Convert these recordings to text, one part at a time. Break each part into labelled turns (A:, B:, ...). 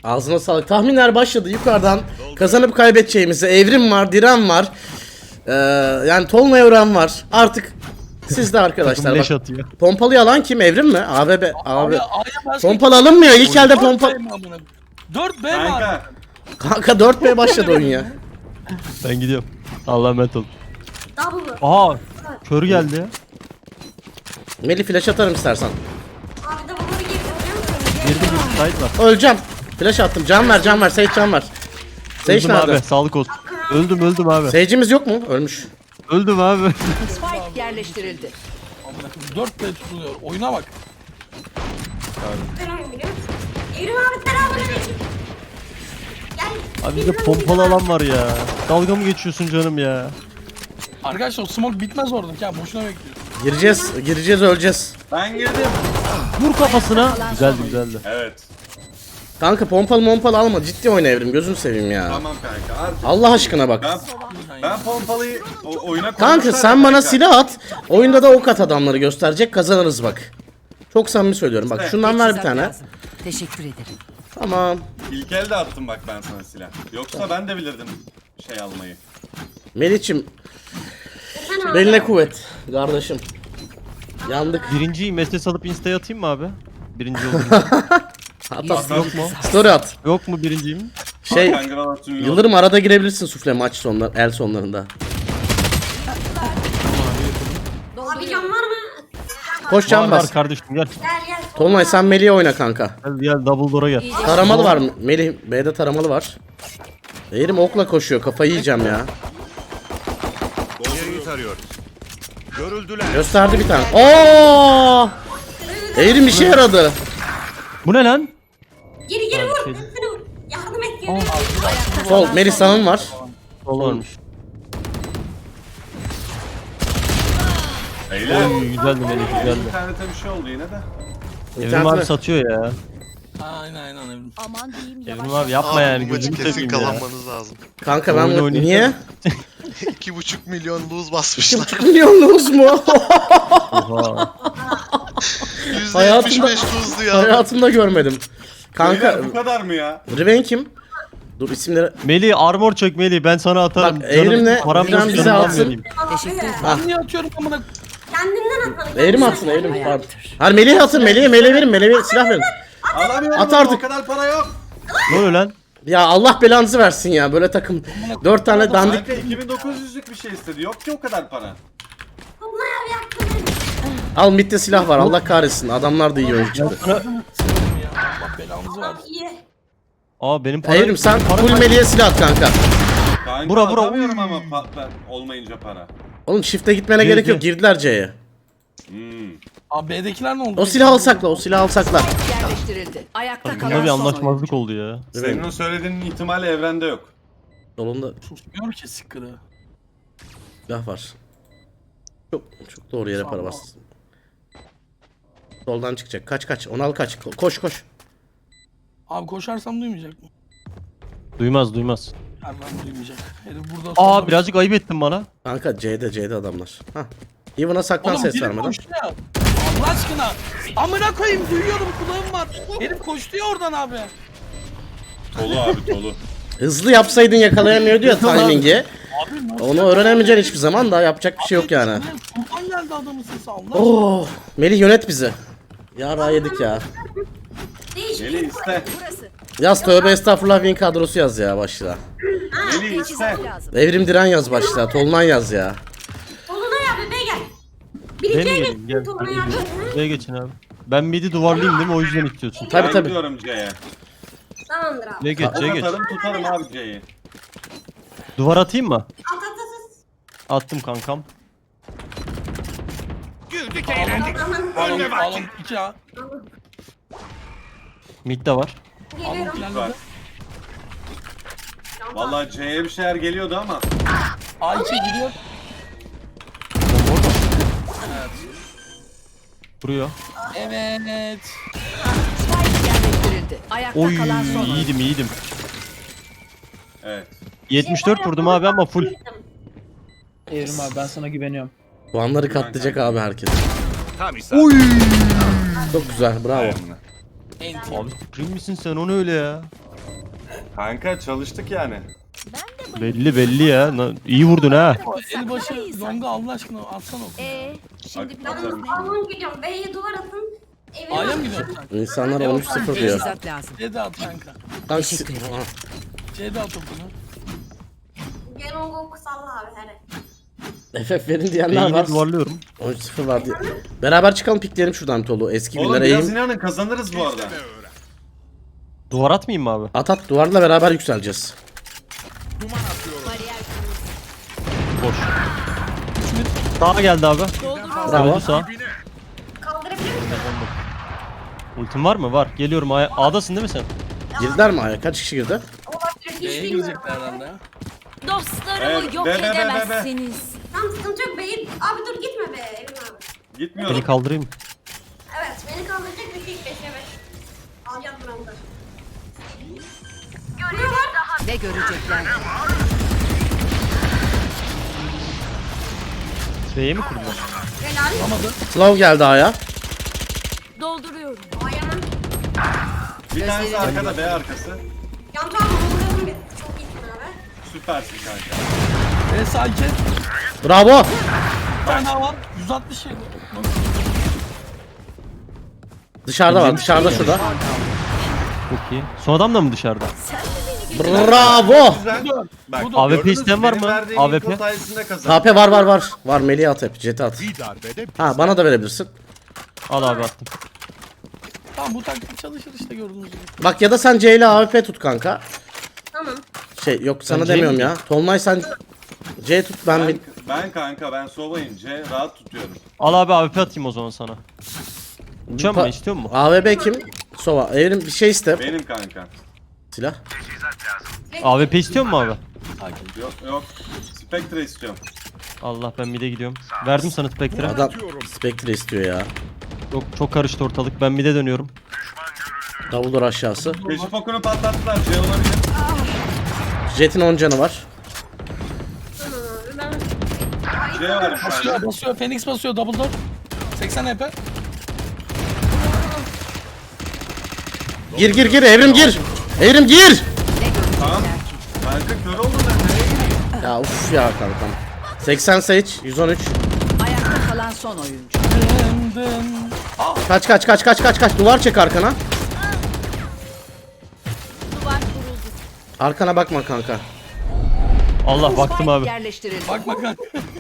A: Ağzına sağlık. Tahminler başladı yukarıdan. Kazanıp kaybedeceğimizi. Evrim var, Diren var. Yani Tolunay Ören var. Artık siz de arkadaşlar.
B: Leş
A: Bak,
B: atıyor.
A: pompalı alan kim? Evrim mi? Abi.
C: Abi.
A: Pompalı alınmıyor. İlk elde pompalı.
C: 4B var.
D: Kanka.
A: Kanka 4B başladı oyun ya.
B: Ben gidiyorum. Allah'a emanet ol.
E: Double.
B: Aa, kör geldi ya.
A: Melih flash atarım istersen.
E: Abi double'ları getiriyor musun?
B: Girdi bir site var.
A: Öleceğim. Flash attım. Can ver, can ver. Sage can ver. Sage
B: Öldüm
A: nerede?
B: abi, sağlık olsun. Öldüm abi.
A: Sage'imiz yok mu? Ölmüş.
B: Öldüm abi.
F: Spike yerleştirildi.
C: 4B tutuluyor. Oyuna bak.
E: Ben oyun biliyor musun? Evrim abi selamünaleyküm. Gel.
B: Abi bir de pompalı alan var ya. Dalga mı geçiyorsun canım ya?
C: Arkadaşlar o smoke bitmez orada. Ya boşuna bekliyoruz.
A: Gireceğiz, öleceğiz.
D: Ben girdim.
B: Vur kafasına. Güzeldi.
D: Evet.
A: Kanka pompalı alma. Ciddi oyna Evrim. Gözünü seveyim ya.
D: Tamam kanka. Artık
A: Allah aşkına bak.
D: ben pompalıyı oyuna
A: Kanka
D: koymuşlar
A: sen
D: ya
A: bana
D: kanka.
A: silah at. Oyunda da ok at adamları gösterecek. Kazanırız bak. Çok samimi söylüyorum. Bak şundan ver bir tane.
F: Lazım. Teşekkür ederim.
A: Tamam.
D: İlk elde attım bak ben sana silah. Yoksa ben de bilirdim şey almayı.
A: Melih'cim. Beline kuvvet. Kardeşim. Yandık.
B: Birinciyi mesaj alıp insta'ya atayım mı abi? Birinci oldum.
A: At at.
B: Yok mu?
A: Story at.
B: Yok mu birinciyim?
A: Şey.
D: Kanka atıyor.
A: Yıldırım arada girebilirsin sufle maç sonlar, el sonlarında.
E: Abi can var mı?
A: Koş can
B: Var
A: bas.
B: kardeşim gel.
E: Gel gel.
A: Tolunay sen Melih'e oyna kanka.
B: Gel double door'a gel.
A: Taramalı var mı? Melih B'de taramalı var. Eğrim okla koşuyor. Kafayı yiyeceğim ya.
G: İleriyi tarıyor. Görüldüler.
A: Gösterdi bir tane. Oo! Eğrim işe yaradı.
B: Bu ne lan?
E: Geri vur. Seni vur. Yardım et geri.
A: Sol Melih sanın var.
B: Sol varmış.
D: Beyler.
B: Oy güzeldi Melih güzeldi.
D: İnternete bir şey oldu yine de.
B: Evrim abi satıyor ya.
C: Aynen Evrim.
F: Aman diyeyim
B: Evrim abi yapma yani
G: bu maçı
B: gözünü
G: kesin
B: seveyim ya.
G: kazanmanız lazım.
A: Kanka ben
B: Oyun oynayacağım.
A: niye?
G: 2,5 milyon lose basmışlar.
A: 2,5 milyonluğuz mu?
B: Oha.
G: %75 lose'du ya.
A: Hayatımda görmedim. Kanka
D: Beyler, bu kadar mı ya?
A: Riven kim? Dur isimleri.
B: Melih armor çök Melih ben sana atarım.
A: Bak, Evrim'le
B: param
A: Diren
B: yok,
A: bize
B: canım
A: atsın.
B: vermeyeyim.
F: Teşekkür ederim.
C: Ben niye atıyorum amına?
E: Kendinden atmanı.
A: Eğrim atsın Eğrim. Pardon. Hayır Melih'e atın Melih'e verin Melih'e silah verin.
D: Alamıyorum.
A: At artık.
D: O kadar para yok.
B: Ne oluyor lan?
A: Ya Allah belanızı versin ya böyle takım. 4 tane dandik.
D: Kanka 2900'lük bir şey istedi. Yok ki o kadar para.
E: Bunlar abi yaktın beni.
A: Al midde silah var Allah kahretsin. Adamlar da iyi oyuncu çıktı.
C: Allah belanızı versin.
E: İyi.
B: Aa benim param.
A: Evrim sen full Melih'e silah at kanka.
D: Kanka
B: Bura,
D: atamıyorum ama olmayınca para.
A: Oğlum shift'e gitmene
B: Gir,
A: gerek yok.
B: gir.
A: Girdiler C'ye.
C: Abi B'dekiler ne oldu?
A: O silahı alsakla, o silahı alsakla.
F: Yerleştirildi. Ayakta
B: Bunda
F: kalan
B: bir
F: son
B: anlaşmazlık
F: oyuncu.
B: oldu ya.
D: Senin o söylediğinin ihtimali evrende yok.
A: Solunda
C: Susmuyor ki sıkkırı.
A: silah var. Çok doğru yere para bas. Soldan çıkacak. Kaç. Onu al kaç. Koş.
C: Abi koşarsam duymayacak mı?
B: Duymaz.
C: Hemen duymayacak. Herif burada
B: Aa
C: sonra-
B: birazcık ayıp ettin bana.
A: Kanka C'de adamlar. Hah. Even'a saklan
C: Oğlum
A: ses
C: biri
A: vermeden.
C: koştu ya. Allah aşkına. Amına koyayım duyuyorum kulağım var. Herif koştu ya oradan abi.
D: Tolu abi tolu.
A: Hızlı yapsaydın yakalayamıyordu ya timing'i.
C: Abi nasıl
A: Onu öğrenemeyeceksin hiçbir zaman da yapacak bir şey yok yani.
C: Sultan geldi adamın sesi Allah aşkına.
A: Oh, Melih yönet bizi. Ya yedik ya.
E: Değişik.
D: Melih iste.
A: Yaz tövbe estağfurullah win kadrosu yaz ya başla.
D: Melih iste.
A: Evrim Diren yaz başla. Tolunay yaz ya.
E: Tolunay abi be gel.
B: Ben
E: Biriciye
B: geleyim gel.
E: gel. Tolunay abi.
B: Şuraya geçin abi. Ben midi duvarlayayım değil mi? O yüzden istiyorsun.
A: Tabi
D: Ben
A: tabi.
D: gidiyorum C'ye.
E: Tamamdır abi.
B: C'ye geç C'ye geç.
D: Tutarım abi C'yi.
B: Duvar atayım mı?
E: At.
B: Attım kankam.
G: Güldük eğlendik.
C: Alın 2 A.
B: Mid de var.
E: Geliyorum.
D: Var. Vallahi C'ye bir şeyler geliyordu ama.
C: A2 gidiyor.
B: Vuruyor.
C: Evet.
F: Spike yerleştirildi. Ayakta
B: Oy
F: kalan son oyuncu.
B: iyiydim.
D: Evet.
B: 74 vurdum abi ama full.
H: Evrim abi ben sana güveniyorum.
A: Puanları katlayacak abi herkes.
G: Tam isabet.
A: Çok güzel bravo.
C: Enti.
B: Abi Supreme misin sen o ne öyle ya?
D: Kanka çalıştık yani.
B: Belli ya. İyi vurdun ha.
C: Elbaşı longa Allah aşkına atsana oku.
F: Şimdi
E: Ben Alman gidiyorum. B'ye duvar atın. Evime
C: A'ya mı gidiyorsun sen?
A: İnsanlar 13-0 diyor.
F: teçhizat lazım.
C: C'de at kanka.
A: Kanka,
F: Teşekkür ederim.
C: C'de at okunu.
E: Genongo salla abi hele.
A: FF verin diyenler
B: Beyni
A: var.
B: duvarlıyorum.
A: 13-0 var diye. Beraber çıkalım pikleyelim şuradan Tolu. Eski
D: Oğlum
A: günlere
D: biraz
A: eğim.
D: inanın kazanırız bu arada.
B: Duvar atmayayım mı abi?
A: At at duvarla beraber yükseleceğiz.
B: Boş. Sağa geldi abi.
A: Bravo.
B: Öldü sağ.
E: Kaldırabilir misin?
B: Ultim var mı? Var. Geliyorum. A'dasın değil mi sen?
A: Girdiler mi aya? Kaç kişi girdi?
E: Olabilir. Hiç
C: B'ye
E: bilmiyorum.
C: girecekler herhalde ya.
D: Evet, yok edemezsiniz.
E: Tamam sıkıntı yok. B'yi... Abi dur gitme be Evrim abi.
D: Gitmiyorum.
B: Beni kaldırayım.
E: Evet beni kaldıracak bir şey 5'e 5. Alacağım buramda. Görüyorlar.
F: Ne görecekler?
B: B'ye mi kurdular?
E: Helal.
A: Slow geldi aya.
F: Dolduruyorum.
E: Ayağım.
D: Bir tanesi arkada B arkası.
E: Yan tarafı vuruyordum bir. Çok iyisin abi.
D: Süpersin kanka.
C: B sakin.
A: Bravo.
C: Bir tane daha var. 160 şey.
A: Dışarıda var. Dışarıda şurada.
B: Çok iyi. Son adam da mı dışarıda?
A: Bravo.
D: Güzel. Bak,
B: AWP
D: gördünüz,
B: isteyen var
D: benim
B: mı?
D: verdiğim
B: AWP?
D: info sayesinde kazandım.
A: HP var. Var Melih'e at hep. Jet'e at. Ha bana da verebilirsin.
B: Al abi attım.
C: Tamam bu taktik çalışır işte gördüğünüz gibi.
A: Bak ya da sen C ile AWP tut kanka.
E: Tamam.
A: Şey yok sana
B: C
A: demiyorum
B: mi?
A: ya. Tolunay sen C tut ben bir...
D: Ben kanka ben Sova'yım. C rahat tutuyorum.
B: Al abi AWP atayım o zaman sana. Uçan mı? İstiyor musun?
A: AWP kim? Sova. Evrim bir şey iste.
D: Benim kanka.
A: Silah.
B: AWP istiyor musun abi?
D: Yok. Spectre istiyorum.
B: Allah ben mid'e gidiyorum. Verdim sana Spectre'e.
A: Adam Spectre istiyor ya.
B: Çok karıştı ortalık. Ben mid'e dönüyorum.
A: Davuldur aşağısı.
D: Keşif okunu patlattılar. C olabilir.
A: Jet'in 10 canı var.
E: Ben...
D: C var bir tane.
C: Basıyor. Phoenix basıyor. Double door. 80 HP.
A: Gir Evrim gir. Evrim gir.
D: Tamam. Kanka kör oldum ben. Nereye gireyim?
A: Ya uf ya kankam. 80 Sage 113.
F: Ayakta kalan son oyuncu.
C: Dın dın.
A: Kaç. Duvar çek arkana. Arkana bakma kanka.
B: Allah baktım
F: Spike
B: abi.
F: yerleştirildi.
C: Bak kanka.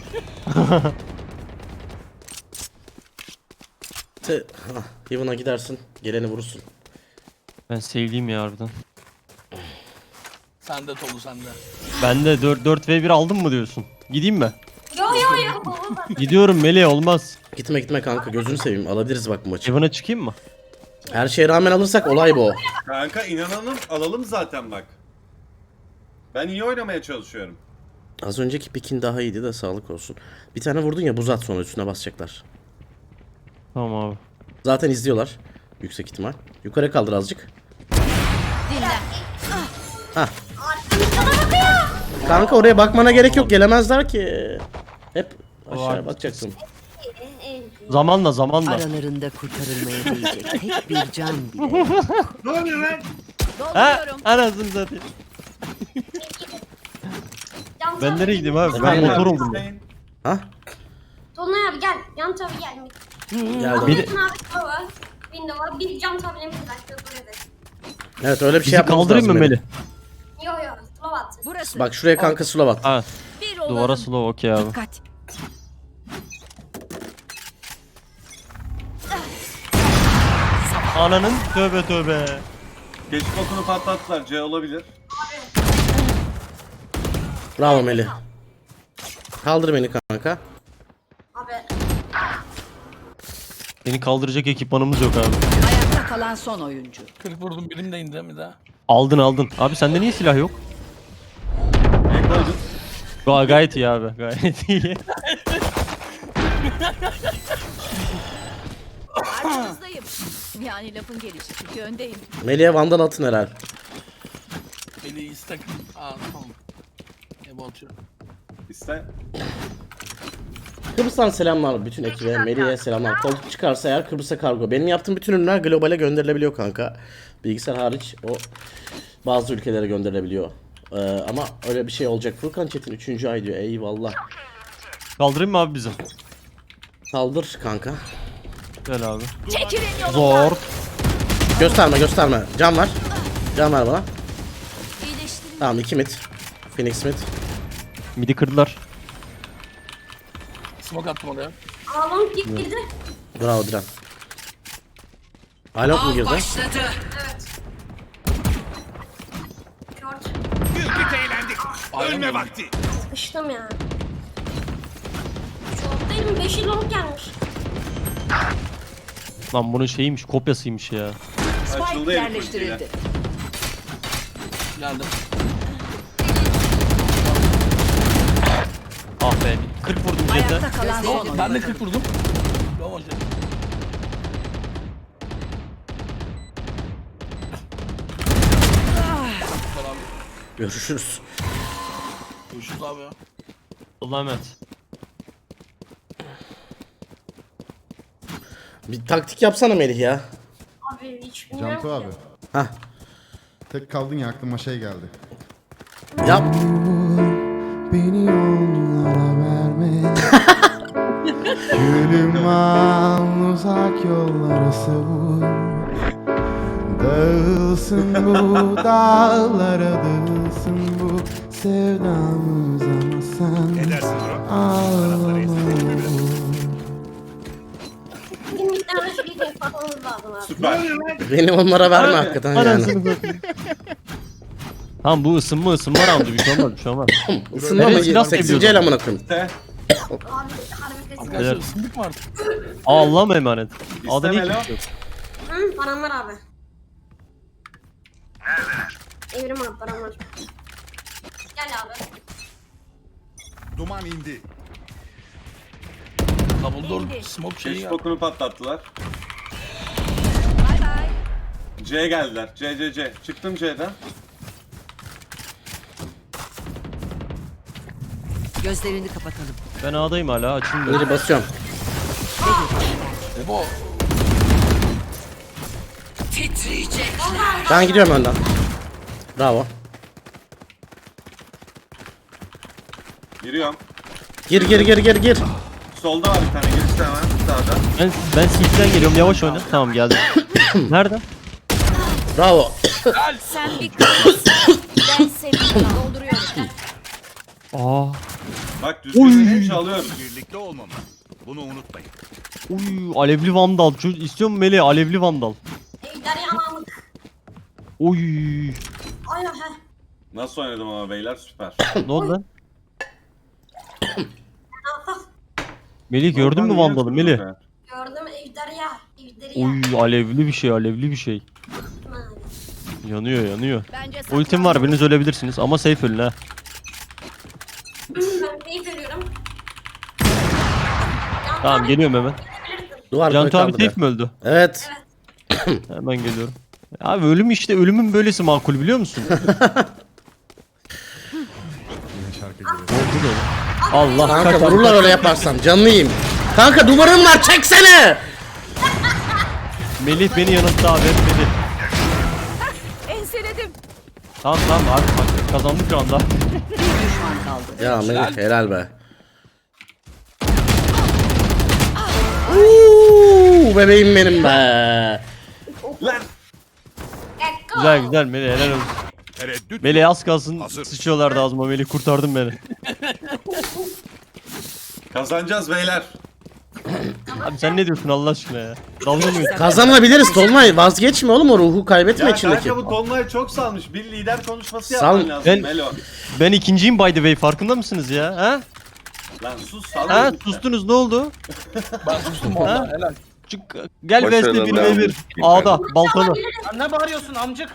A: Heaven'a gidersin. Geleni vurursun.
B: Ben sevdiğim ya harbiden.
C: Sende Tolu sende.
B: Ben de 4v1 aldım mı diyorsun? Gideyim mi?
E: Yo.
B: Gidiyorum Melih olmaz.
A: Gitme kanka gözünü seveyim. Alabiliriz bak bu maçı.
B: Heaven'a çıkayım mı?
A: Her şeye rağmen alırsak olay bu.
D: Kanka inanalım alalım zaten bak. Ben iyi oynamaya çalışıyorum.
A: Az önceki pikin daha iyiydi de sağlık olsun. Bir tane vurdun ya buz at sonra üstüne basacaklar.
B: Tamam abi.
A: Zaten izliyorlar. Yüksek ihtimal. Yukarı kaldır azıcık. Hah. Kanka oraya bakmana gerek yok. Gelemezler ki. Hep aşağıya bakacaksın.
B: Zamanla.
F: Aralarında kurtarılmaya değecek tek bir can bile.
D: Ne oluyor lan?
B: Ha? Anasını satayım. Ben nereye gideyim abi? Ben motor oldum ya.
A: Ha?
E: Tolunay abi gel. Yan tarafa gel.
A: Geldim.
B: Bir de-
E: Yakın abi Tolunay var. Window var. Bir cam tabine bir dakika buraya da.
A: Evet öyle bir şey
B: Bizi
A: yapmamız
B: kaldırayım mı
A: lazım
B: Melih?
E: Yo. Slow at.
F: Burası.
A: Bak şuraya kanka slow at.
B: Ha.
F: Bir olalım.
B: Duvara slow okey abi.
F: Dikkat.
B: Ananın tövbe.
D: Keşif okunu patlattılar. C olabilir.
A: Bravo Melih. Kaldır beni kanka.
E: Abi.
B: Beni kaldıracak ekipmanımız yok abi.
F: Ayakta kalan son oyuncu.
C: 40 vurdum birim de indi mi daha?
B: Aldın. Abi sende niye silah yok?
D: Ne koydun?
B: Gayet iyi abi. Gayet iyi.
I: Arkanızdayım. Yani lafın gelişi çünkü öndeyim.
A: Melih'e vandal atın herhal.
C: Beni istek. Aa tamam. Ebo atıyor.
D: İste.
A: Kıbrıs'tan selamlar bütün ekibe, Melih'e selamlar. Koltuk çıkarsa eğer Kıbrıs'a kargo. Benim yaptığım bütün ürünler globale gönderilebiliyor kanka. Bilgisayar hariç o bazı ülkelere gönderilebiliyor. Ama öyle bir şey olacak. Furkan Çetin 3. ay diyor. Eyvallah.
B: Kaldırayım mı abi bizi?
A: Kaldır kanka.
B: Gel abi.
I: Çekilin yolumdan.
B: Zor.
A: Gösterme. Can var. Can ver bana.
I: İyileştirin.
A: Tamam 2 mid. Phoenix mid.
B: Midi kırdılar.
C: Smoke attım oraya.
E: Ağlam girdi.
A: Bravo Diren. Alok mu girdi?
E: Evet. Short.
G: Güldük eğlendik. Ölme vakti.
E: Sıkıştım ya. Short değilim. 5 yıl olup gelmiş.
B: Lan bunun şeyiymiş, kopyasıymış ya.
D: Açıldı herif ultiyle.
C: Geldim.
B: Ah be. 40 vurdum jete.
F: Ayakta kalan son oyuncu.
C: Ben de 40 vurdum. Bravo Jet.
A: Görüşürüz.
C: Görüşürüz abi ya.
B: Allah'a emanet.
A: Bir taktik yapsana Melih ya.
E: Abi hiç bilmiyorum
J: Cantu abi.
E: ki.
A: Hah.
J: Tek kaldın ya aklıma şey geldi.
A: Yap.
J: Beni onlara verme. Gülüm al uzak yollara savur. Dağılsın bu dağlara dağılsın bu sevdamız ama sen ağlama.
E: Bizim bir tane şey yapmamız lazım abi.
D: Süper.
A: Beni onlara verme hakikaten yani.
B: Anasını satayım. Tamam bu ısınma roundu bir şey olmaz bir şey olmaz.
A: Isınma mı?
B: Evet, silah
A: 8.
B: seviyorum.
A: el amına koyayım.
D: İste.
E: Abi harbi kesin.
C: Arkadaşlar
B: Evet.
C: ısındık mı artık?
B: Allah'ım emanet. Adı
D: İstemelo.
B: ne ki?
E: Hı, param var abi. Evrim abi param var. Gel abi.
G: Duman indi.
C: Double smoke şeyi geldi.
D: Facebook'unu patlattılar.
I: Bay bay.
D: C'ye geldiler. C. Çıktım C'den.
F: Gözlerini kapatalım.
B: Ben A'dayım hala açılmıyor.
A: Önce basıyorum.
C: Ebo.
A: Ben gidiyorum önden. Bravo.
D: Giriyorum.
A: Gir.
D: Solda var bir tane girişte hemen sağda.
B: Ben CT'den geliyorum yavaş oyna. Tamam geldim. Nerede?
A: Bravo.
I: Sen bir kızsın. Ben seni dolduruyorum.
B: Aa.
D: Bak düzgün çalıyorum.
G: Birlikte olmamız. Bunu unutmayın.
B: Uy alevli vandal. İstiyor mu Melih alevli vandal?
E: Ejder yanamık.
B: Uy.
E: Ay he.
D: Nasıl oynadım ama beyler süper.
B: Ne oldu lan? Melih gördün mü
D: Oradan
B: vandalı
D: niye
B: Melih?
D: yapıyorsun be?
E: Gördüm ejder ya. Ejder ya.
B: Uy alevli bir şey. Yanıyor.
I: Bence
B: Ultim var biriniz ölebilirsiniz ama safe ölün ha.
E: Ben keyif veriyorum.
B: Tamam geliyorum hemen.
A: Duvar
B: Cantu
A: koy
B: abi
A: kaldı
B: safe mi öldü?
A: Evet.
B: Hemen geliyorum. Abi ölüm işte ölümün böylesi makul biliyor musun? Allah
A: Kanka
B: kaç
A: vururlar öyle yaparsam. Canını yiyeyim. Kanka duvarım var çeksene.
B: Melih beni yanılttı abi hep Melih.
I: enseledim.
B: Tamam artık bak kazandık şu anda.
F: Bir düşman kaldı.
A: Ya Melih helal be. Uuu bebeğim benim be.
D: Lan!
B: Güzel Melih helal olsun.
G: Tereddüt.
B: Melih az kalsın
G: Hazır.
B: sıçıyorlardı ağzıma Melih kurtardın beni.
D: Kazanacağız beyler.
B: Abi sen ne diyorsun Allah aşkına ya? Dalga mı geçiyorsun?
A: Kazanabiliriz Tolunay. Vazgeçme oğlum o ruhu kaybetme
D: Ya
A: içindeki.
D: kanka bu Tolunay çok salmış. Bir lider konuşması
A: Sal-
D: yapman lazım
B: Ben-
D: Melo.
B: Ben ikinciyim by the way farkında mısınız ya? Ha?
D: Lan sus sal.
B: Ha
D: lütfen.
B: sustunuz ne oldu?
C: Ben sustum valla helal.
B: Çık gel West'e 1v1 A'da baltalı.
C: Sen ne bağırıyorsun amcık?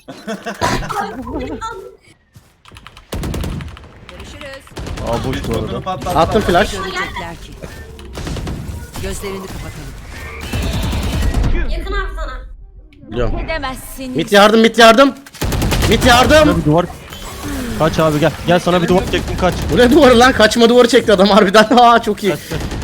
I: Görüşürüz.
B: Aa boş bu
D: Facebook'unu
B: arada.
D: patlattılar.
A: Attım flash.
F: Görecekler ki. Gözlerini kapatalım.
E: Yakın abi sana.
A: Biliyorum.
I: Edemezsin.
A: Mit yardım. Mit yardım.
B: Sana bir duvar. Kaç abi gel. Gel sana bir duvar çektim kaç.
A: Bu ne duvarı lan? Kaçma duvarı çekti adam harbiden. Aa çok iyi.
B: Kaç.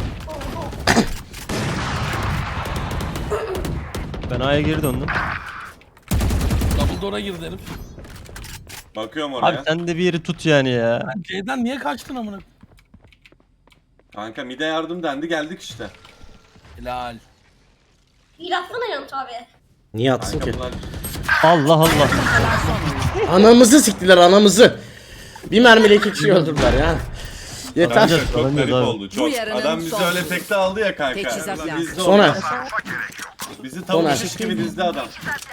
B: Ben A'ya geri döndüm.
C: Double door'a girdi herif.
D: Bakıyorum
B: Abi
D: oraya.
B: sen de bir yeri tut yani ya.
C: Lan C'den niye kaçtın amına?
D: Kanka mide yardım dendi geldik işte.
C: Helal.
E: Bir atsana Yanıt abi.
A: Niye atsın ki?
D: Kanka bunlar
B: Allah Allah.
A: Anamızı siktiler anamızı. Bir mermiyle 2 kişiyi öldürdüler ya. Yeter.
B: Bence-
D: çok
B: Bence
D: garip
B: daha-
D: oldu çok.
F: yarının
D: Adam bizi
F: son
D: öyle tekte aldı ya kanka.
F: Teçhizat
D: Biz
F: lazım.
D: de
A: Sonra.
D: olmaz. Bizi tavuk
A: Sonra.
D: şiş gibi dizdi adam.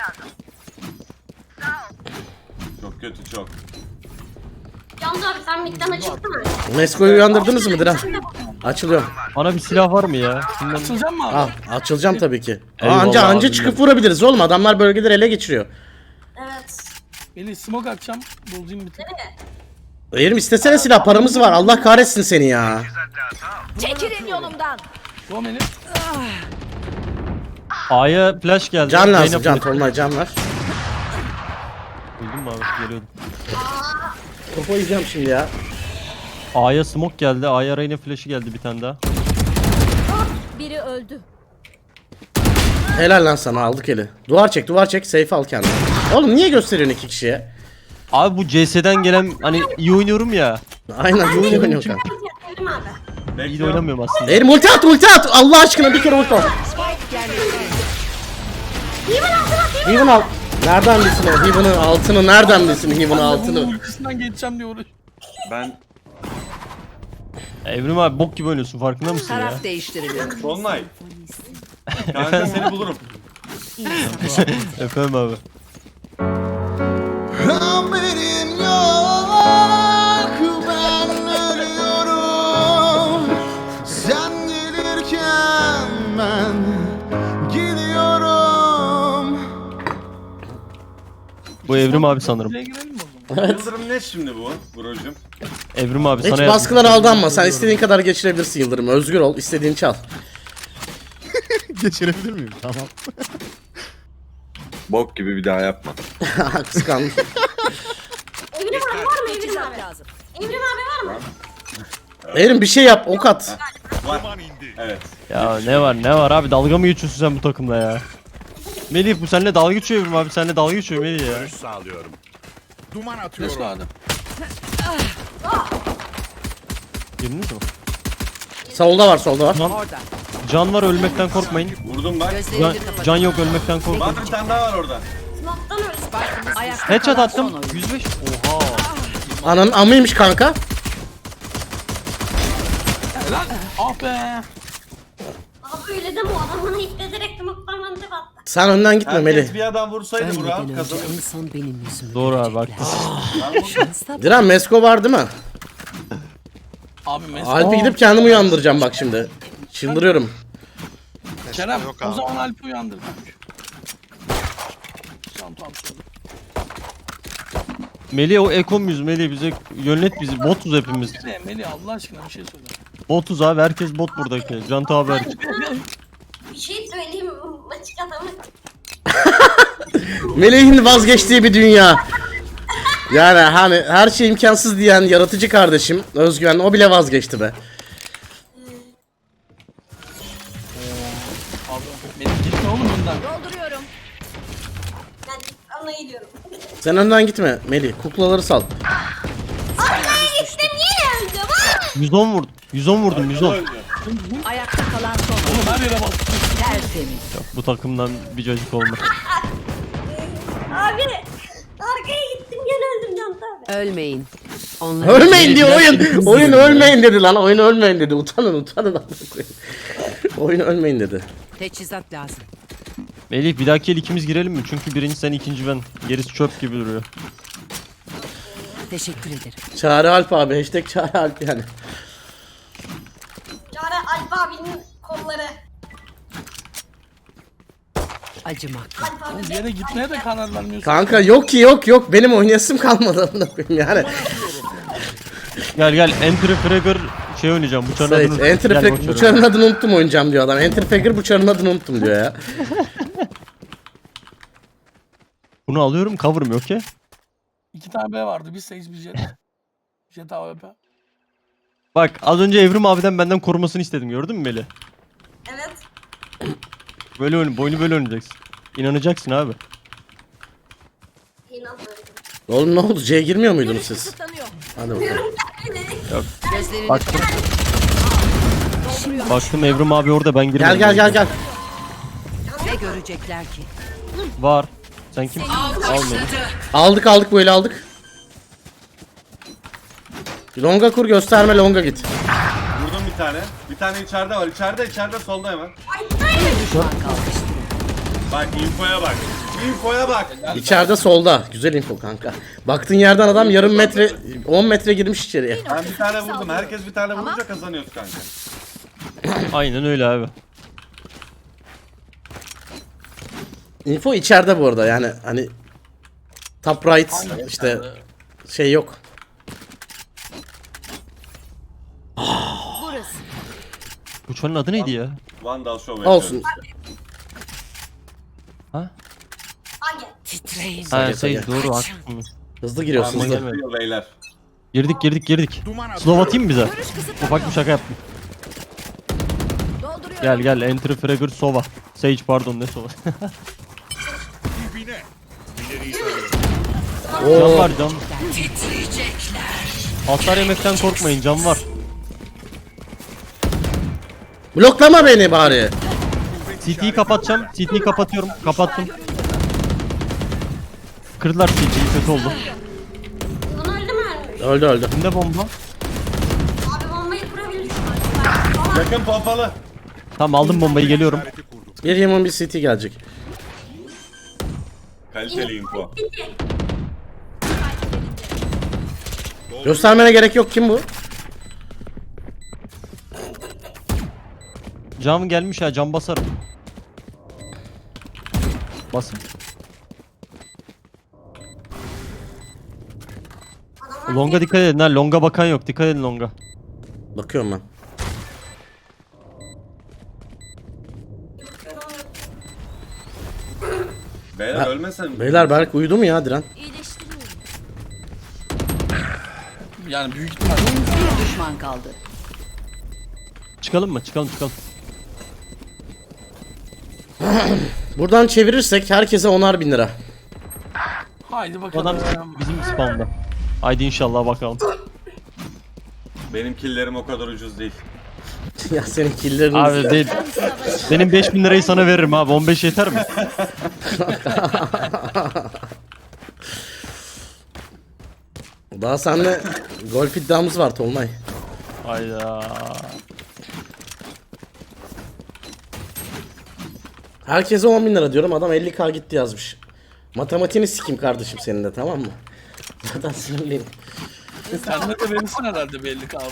D: Çok kötü çok.
E: Yanıt abi sen midden açıktı mı?
A: Mesko'yu uyandırdınız mı Diren? Açılıyorum.
B: Bana bir silah var mı ya? Şundan...
C: Açılacak mı abi?
A: Al açılacağım tabii ki.
B: Eyvallah
A: Anca
B: abi.
A: çıkıp vurabiliriz oğlum. Adamlar bölgeleri ele geçiriyor.
E: Evet.
C: Melih smoke atacağım. Bulacağım bir tık.
A: Eğerim istesene silah paramız var. Allah kahretsin seni ya.
I: Çekilin yolumdan.
C: Go Melih.
B: A'ya flash geldi.
A: Can lazım
B: Zeynep
A: can.
B: flash.
A: Tolunay can ver.
B: Duydun mu abi? Geliyordum.
A: Topu yiyeceğim şimdi ya.
B: A'ya smoke geldi. A'ya Reyna flash'ı geldi bir tane daha.
I: Biri öldü.
A: Helal lan sana aldık eli. Duvar çek safe al kendini. Oğlum niye gösteriyorsun 2 kişiye?
B: Abi bu CS'den gelen hani iyi oynuyorum ya.
A: Aynen iyi oynuyor kanka.
E: Evrim abi.
B: İyi de
D: Bekliyorum.
B: oynamıyorum aslında.
A: Eğerim ulti at Allah aşkına bir kere ulti at. Heaven al. Nereden bilsin o? Heaven'ın altını nereden bilsin Heaven'ın
C: Bunun
A: altını?
C: ultisinden geçeceğim diye uğraş.
D: Ben
B: Evrim abi bok gibi oynuyorsun farkında mısın ya?
F: Taraf değiştiriliyor.
D: Solnay. Kanka seni bulurum.
B: Efendim abi.
J: Haberin yok, ben ölüyorum. Sen gelirken ben gidiyorum.
B: Bu Evrim abi sanırım.
C: Buraya girelim mi o zaman?
D: Yıldırım ne şimdi bu brocum?
B: Evrim abi
A: Hiç
B: sana
A: baskılara aldanma. Sen istediğin kadar geçirebilirsin Yıldırım. Özgür ol. İstediğini çal.
J: Geçirebilir miyim? Tamam.
D: Bok gibi bir daha yapma.
A: Kıskandım.
E: Evrim abi var mı Evrim
I: Teçhizat
E: abi?
I: lazım.
E: Evrim abi var mı?
A: Eğerim bir şey yap. Ok at.
D: Var.
G: Duman indi.
D: Evet.
B: Ya ne var abi dalga mı geçiyorsun sen bu takımla ya? Melih bu seninle dalga geçiyor Evrim abi seninle dalga geçiyor Melih ya.
G: Görüş sağlıyorum. Duman
C: Flash
G: atıyorum.
C: vardı.
B: Girdiniz mi?
A: Solda var.
B: Can var ölmekten korkmayın.
D: Vurdum bak.
B: Can,
F: Gözlerini kapat.
B: can yok ölmekten korkmayın.
D: Var bir tane daha var orada.
E: Smoke'tan öldü.
F: Ayakta
B: Headshot
F: kalan son
B: attım.
F: oyuncu.
B: 105. Oha.
A: Ananın amıymış kanka.
C: Helal. Ah be.
E: Abi öyle deme o adam bana ipleterek smoke'tan bana tep attı.
A: Sen önden gitme
D: Herkes
A: Melih.
D: bir adam vursaydı
F: Ölmeden
D: Burak
F: önce
D: kazanır.
F: en son benim yüzümü
B: Doğru abi
F: görecekler.
B: haklısın.
D: Ben vurdum.
F: Şansa bak.
A: Diren Mesko var değil mi?
C: Abi mesela.
A: Alp'e gidip kendimi uyandıracağım bak şimdi. Çıldırıyorum.
C: Kerem o zaman Alp'i uyandır. Tamam tamam.
B: Melih o ekom yüz Melih bize yönlet bizi. Botuz hepimiz.
C: Ne Melih Allah aşkına bir şey söyle.
B: Botuz abi herkes bot buradaki. Can abi hariç.
E: Bir şey söyleyeyim mi? Açık adamı.
A: Melih'in vazgeçtiği bir dünya. Yani hani her şey imkansız diyen yaratıcı kardeşim Özgüven o bile vazgeçti be.
C: Abi Melih gitme oğlum önden.
I: Dolduruyorum.
E: Ben ona gidiyorum.
A: Sen önden gitme Melih. Kuklaları sal.
E: İşte niye öldüm ha?
B: 110 vurdum. 110 vurdum 110.
F: Ayakta kalan son oyuncu.
C: Oğlum her yere bak.
F: Tertemiz.
B: Bu takımdan bir cacık olmaz.
E: Abi arkaya gittim gene öldüm Can abi.
F: Ölmeyin. Onları
A: Ölmeyin diyor oyun. Oyun ölmeyin dedi lan. Oyun ölmeyin dedi. Utanın. Oyun ölmeyin dedi.
F: Teçhizat lazım.
B: Melih bir dahaki el ikimiz girelim mi? Çünkü birinci sen ikinci ben. Gerisi çöp gibi duruyor.
F: Teşekkür ederim.
A: Çağrı Alp abi. Hashtag Çağrı Alp yani.
E: Çare Alp abinin kolları.
F: Acımak.
E: Alp abi
C: Bir yere gitmeye de karar vermiyorsun.
A: Kanka yok ki yok. Benim oynayasım kalmadı amına koyayım yani.
B: Gel Enter Fragger şey oynayacağım. Bıçağın
A: Sait,
B: adını
A: Enter
B: Gel
A: Fragger
B: boş ver
A: bıçağın adını unuttum oynayacağım diyor adam. Enter Fragger bıçağın adını unuttum diyor ya.
B: Bunu alıyorum cover'ım yok ya.
C: 2 tane B vardı. Bir Sage bir Jet. Jet AWP.
B: Bak az önce Evrim abiden benden korumasını istedim gördün mü Melih?
E: evet.
B: Böyle oyun, boynu böyle oynayacaksın. İnanacaksın abi.
E: İnanmıyorum.
A: Oğlum ne oldu? C'ye girmiyor muydunuz siz?
I: Kısıtlanıyor.
A: Hadi bakalım.
F: Gözlerini
B: Baktım. Baktım Evrim abi orada, ben girmedim.
A: Gel.
F: ne görecekler ki?
B: Var. Sen kim? Almadım.
A: Aldık böyle aldık. Longa kur, gösterme, longa git.
D: Vurdum bir tane. Bir tane içeride var. İçeride solda hemen.
F: Düşman kalmıştı.
D: Bak infoya bak. İnfoya bak.
A: İçeride solda. Güzel info kanka. Baktığın yerden adam yarım metre 10 metre girmiş içeriye.
D: Ben bir tane vurdum. Herkes bir tane vurunca kazanıyoruz kanka.
B: Aynen öyle abi.
A: Info içeride bu arada, yani hani top right işte şey yok.
I: Burası.
B: Bu çanın adı neydi ya?
D: Vandal Show yapıyorum.
A: Olsun.
B: Ha?
E: Hangi?
F: Titreyin.
B: Ha
A: Sage,
B: Sage,
A: Sage.
B: doğru, haklısın.
A: Hızlı giriyorsun
B: Tamam,
A: hızlı.
B: gelme.
D: Beyler.
B: Girdik. Slow atayım mı bize? Ufak bir şaka yaptım.
I: Dolduruyorum.
B: Gel Enter Fragger Sova. Sage pardon, ne Sova.
G: Dibine. İleriyi sarıyorum.
B: Can var can. Hasar yemekten korkmayın, can var.
A: Bloklama beni bari.
B: CT'yi kapatacağım. CT'yi kapatıyorum. Kapattım. Kırdılar CT'yi, kötü oldu.
E: Bunu öldü mü ölmüş?
A: Öldü.
B: Kimde bomba?
E: Abi bombayı kurabilirsin.
D: Yakın pompalı.
B: Tamam, aldım bombayı, geliyorum.
G: İşareti kurdum.
A: Bir Yaman bir CT gelecek.
D: Kaliteli info.
A: Göstermene gerek yok, kim bu?
B: Cam gelmiş ha, cam basarım. Basın. Longa dikkat edin ha, longa bakan yok, dikkat edin longa.
A: Bakıyorum ben.
D: Beyler ölmesin.
A: Beyler Berk uyudu mu ya Diren?
I: İyileştiriyorum.
C: Yani büyük ihtimal.
F: Bir düşman kaldı.
B: Çıkalım mı? Çıkalım.
A: Buradan çevirirsek herkese 10'ar bin lira.
C: Haydi
B: Bu
C: bakalım.
B: adam bizim spawn'da. Haydi inşallah bakalım.
D: Benim killerim o kadar ucuz değil.
A: Ya senin killerin.
B: Abi değil. Benim 5000 lirayı sana veririm abi. 15 yeter mi?
A: Daha seninle golf iddiamız var Tolunay.
B: Hayda.
A: Herkese 10 bin lira diyorum, adam 50k gitti yazmış. Matematiğini sikeyim kardeşim senin de, tamam mı? Zaten sinirliyim.
C: Sen de verirsin herhalde belli ki abi.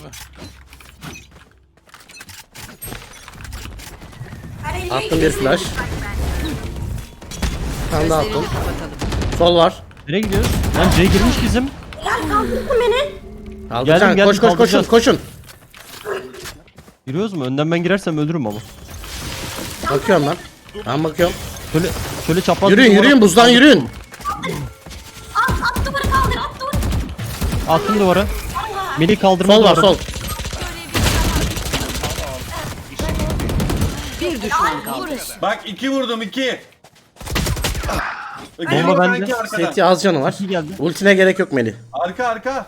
A: Attım bir flash. Bir tane daha attım.
F: Gözlerini kapatalım.
A: Sol var.
B: Nereye gidiyoruz? Lan C girmiş bizim.
A: Kaldıracaksın.
B: Geldim,
A: Koş koşun
B: kaldıracağız.
A: koşun.
B: Giriyoruz mu? Önden ben girersem ölürüm ama.
A: Bakıyorum ben. Ben bakıyorum.
B: Şöyle çapraz.
A: Yürüyün buzdan yürüyün.
E: At duvarı kaldır, at duvarı.
B: Attım duvara. Melih kaldırma
A: Sol var
B: duvara.
A: sol.
F: Bir düşman kaldı.
D: Bak 2 vurdum 2.
B: Bomba bende.
A: Seti az canı var.
B: İki geldi.
A: Ultine gerek yok Melih.
D: Arka.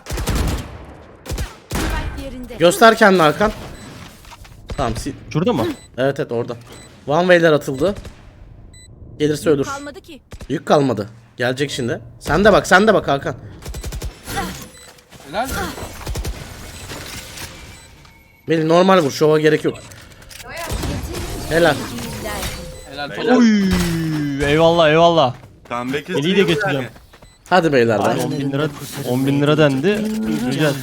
I: Yerinde.
A: Göster kendini Hakan. Tamam
B: Şurada mı?
A: evet orada. One way'ler atıldı. Gelirse ölür.
I: Kalmadı ki.
A: Yük kalmadı. Gelecek şimdi. Sen de bak Hakan.
C: Helal mi?
A: Melih normal vur, şova gerek yok. Helal.
C: Helal falan.
B: Uy, eyvallah.
D: Comeback
B: Melih'i de getireceğim.
A: Hadi beyler
B: Ay,
A: be.
B: 10 bin lira dendi. Güzel.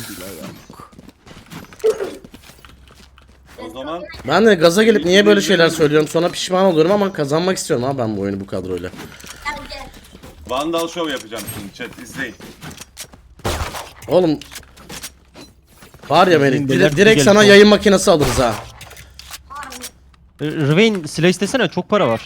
D: O zaman
A: Ben de gaza gelip niye böyle şeyler söylüyorum, sonra pişman oluyorum ama kazanmak istiyorum abi ben bu oyunu bu kadroyla.
E: Gel gel.
D: Vandal Show yapacağım şimdi chat izleyin.
A: Oğlum var ya Melih,
B: Belirtti
A: direkt
B: gelip
A: sana
B: o.
A: yayın makinesi alırız ha.
B: Rvain silah istesene, çok para var.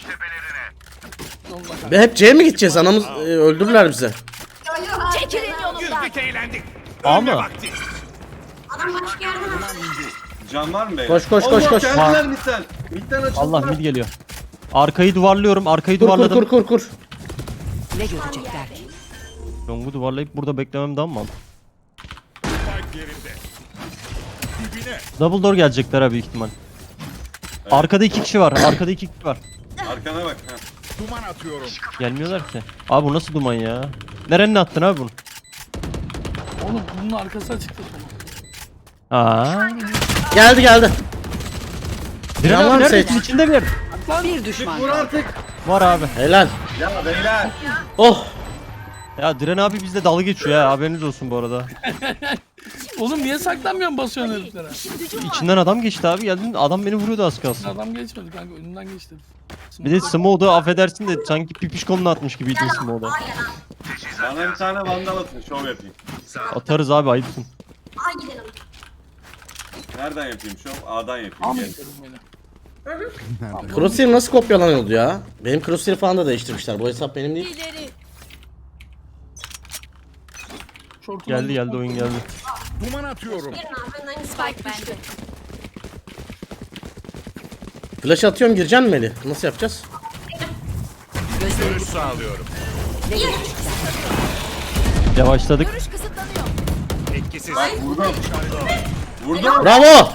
A: Ve hep C'ye mi gideceğiz, anamız öldürürler bize.
I: Çekilin yolumdan.
G: Güldük eğlendik.
B: Aa
G: Ölme
B: mı?
G: vakti.
E: Adam başka yerden at.
D: Can var mı beyler?
A: Koş.
D: Allah
B: Var.
D: geldiler midden. Midden açıldılar.
B: Allah mid geliyor. Arkayı duvarlıyorum. Arkayı
A: Kur kur
B: duvarladım.
A: kur kur kur.
F: Ne görecekler?
B: Long'u duvarlayıp burada beklemem daha mı mantıklı?
G: Spike yerinde. Dibine.
B: Double door gelecekler abi büyük ihtimal. Arkada 2 kişi var. Arkada 2 kişi var.
D: Arkana bak. Ha.
G: Duman atıyorum.
B: Gelmiyorlar ki. Abi bu nasıl duman ya? Nerenin attın abi bunu?
C: Oğlum bunun arkası açıktı.
B: Aa.
A: Geldi geldi.
B: Diren
A: Yalan
B: abi
A: seç.
B: neredesin? İçinde bir yer.
F: Bir düşman
D: Vur
F: kaldı.
D: artık.
B: Var abi.
A: Helal.
D: Ya beyler.
A: Oh.
B: Ya Diren abi bizle dalga geçiyor ya. Haberiniz olsun bu arada.
C: Oğlum niye saklanmıyorsun basıyorsun heriflere?
B: İçinden adam geçti abi. Geldin adam beni vuruyordu az kalsın.
C: Adam geçmedi kanka önünden geçti.
B: Bir de Smoke'da affedersin de sanki pipiş koluna atmış gibiydi Smoke'da.
D: Bana bir tane vandal atın. Şov yapayım.
B: Atarız abi ayıpsın.
E: Aa gidelim.
D: Nereden yapayım şov? A'dan yapayım.
C: Ahmet
D: Gel.
C: dedim beni.
A: Crosshair nasıl kopyalanıyordu ya? Benim Crosshair falan da değiştirmişler. Bu hesap benim değil.
I: İleri.
C: Şortuna
B: Geldi oyun geldi.
G: Duman atıyorum.
E: Girin abi önden
I: Spike bende.
A: Flash atıyorum gireceksin mi Melih? Nasıl yapacağız?
G: Görüş sağlıyorum.
B: Yavaşladık.
I: Görüş kısıtlanıyor.
G: Etkisiz.
D: Vurdum. Vurdum.
A: Bravo!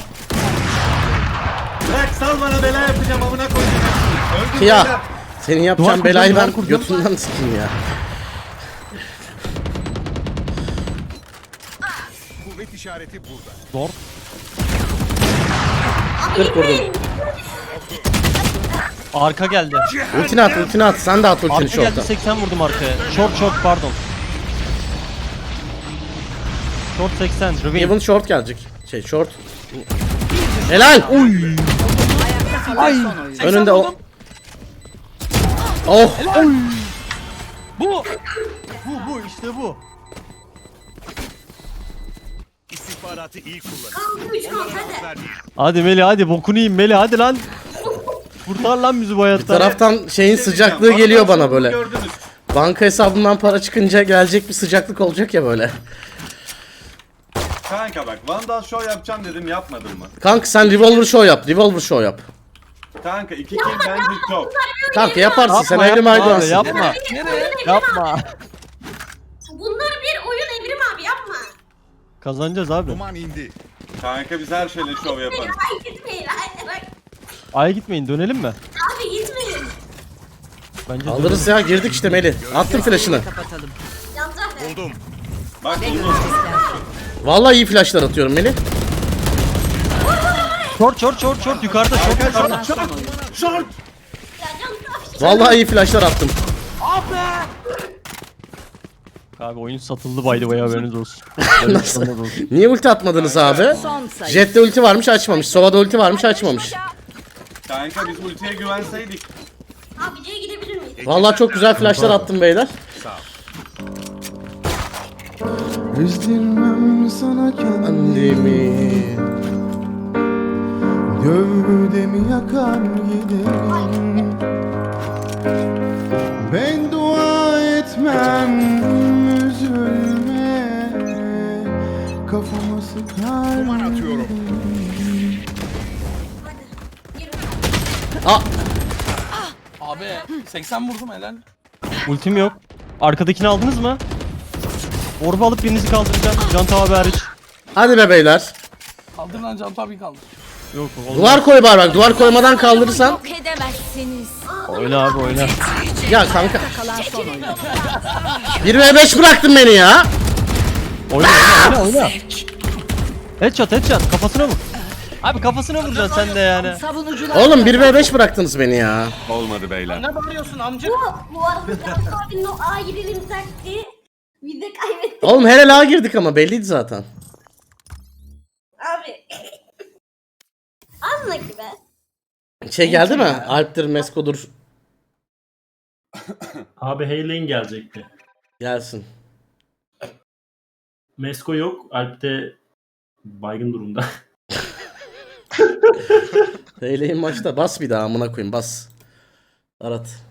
D: Bırak sal bana bela yapacağım amına koyacağım. Öldüm
A: Ya
D: beyler.
A: senin yapacağın
B: Duvar
A: belayı
B: kuracağım,
A: ben
B: duvar kuracağım.
A: götünden sikeyim ya.
G: Kuvvet işareti burada.
B: Zor.
A: 40 vurdum.
B: Arka geldi.
A: Ultini at ultini at. Sen de at ultini
B: Arka geldi
A: short'a.
B: 80 vurdum arkaya. Short pardon. Short 80. Reveal.
A: Even short gelecek. Short. Helal. Uy.
F: Kalan son oyun.
A: Önünde o. Oh.
C: Bu.
B: Bu işte bu.
G: İstihbaratı iyi kullanın.
E: Kaldı 3 kaldı hadi.
G: Ver.
B: Hadi Meli hadi bokunu yiyeyim Meli hadi lan. Kurtar lan bizi bu
A: Bir
B: hayattan.
A: taraftan şeyin
D: Bir şey
A: sıcaklığı
D: diyeceğim.
A: geliyor
D: Vandal
A: bana
D: şovunu
A: böyle.
D: gördünüz.
A: Banka hesabımdan para çıkınca gelecek bir sıcaklık olacak ya böyle.
D: Kanka bak vandal show yapacağım dedim yapmadın mı?
A: Kanka sen revolver show yap. Revolver show yap.
D: Kanka 2 kill bence çok.
A: Kanka yaparsın sen
B: Yapma,
A: evrim
B: yapma abi,
A: aydıvansın.
B: yapma.
C: Nereye?
B: Yapma.
E: Bunlar bir oyun Evrim abi yapma.
B: Kazanacağız abi.
G: Duman indi.
D: Kanka biz her şeyle show yaparız.
E: Ay gitmeyin. Ay, bak.
B: Aya gitmeyin dönelim mi?
E: Abi gitmeyin.
B: Bence
A: Alırız ya girdik işte Melih. Attım flash'ını.
F: Kapatalım.
E: Yanacak da.
G: Buldum.
D: Bak
F: Ne
D: bunu.
F: görecekler?
A: Vallahi iyi flash'lar atıyorum Melih.
B: Short yukarıda short yukarıda.
F: Kalan son oyun.
D: Short.
E: Ya can
A: Vallahi iyi flash'lar attım.
B: Abi oyun satıldı by the way haberiniz olsun.
A: Nasıl? Niye ulti atmadınız abi?
F: Son sayı.
A: Jet'te ulti varmış açmamış. Sova'da ulti varmış açmamış.
D: Kanka biz ultiye güvenseydik.
E: Abi C'ye gidebilir miyiz?
A: Vallahi çok güzel flash'lar attım beyler.
J: Üzdirmem sana kendimi.
A: Annemi.
J: Gövdemi yakar giderim. Ben dua etmem üzülme. Kafama sıkar.
G: Duman atıyorum.
A: Aa,
C: Abi 80 vurdum helal.
B: Ultim yok. Arkadakini aldınız mı? Orba alıp birinizi kaldıracağım. Can abi hariç.
A: hadi be beyler.
C: Kaldır lan Can tabii kaldır.
B: Yok olmaz.
A: Duvar koy bak. Duvar koymadan kaldırırsan.
I: Yok edemezsiniz.
B: Oyna abi oyna.
A: Ya kanka.
F: Kalan son oyun.
A: 1v5 bıraktın beni ya.
B: Oyna. Headshot kafasına vur. Abi kafasına vuracaksın sen de yani.
F: Savunucular.
A: Oğlum 1v5 bıraktınız beni ya.
D: Olmadı beyler.
C: Ne bağırıyorsun amca?
E: Bu arada Can abinin o A gidelim taktiği. Bir de kaybettik
A: Oğlum her el ağa girdik ama belliydi zaten.
E: abi. Anla ki be.
A: Şey geldi mi? Alp'tir, Mesko'dur.
K: Abi Heylein gelecekti.
A: Gelsin.
K: Mesko yok. Alp de baygın durumda.
A: Heyleyin maçta. Bas bir daha amına koyayım bas. Arat.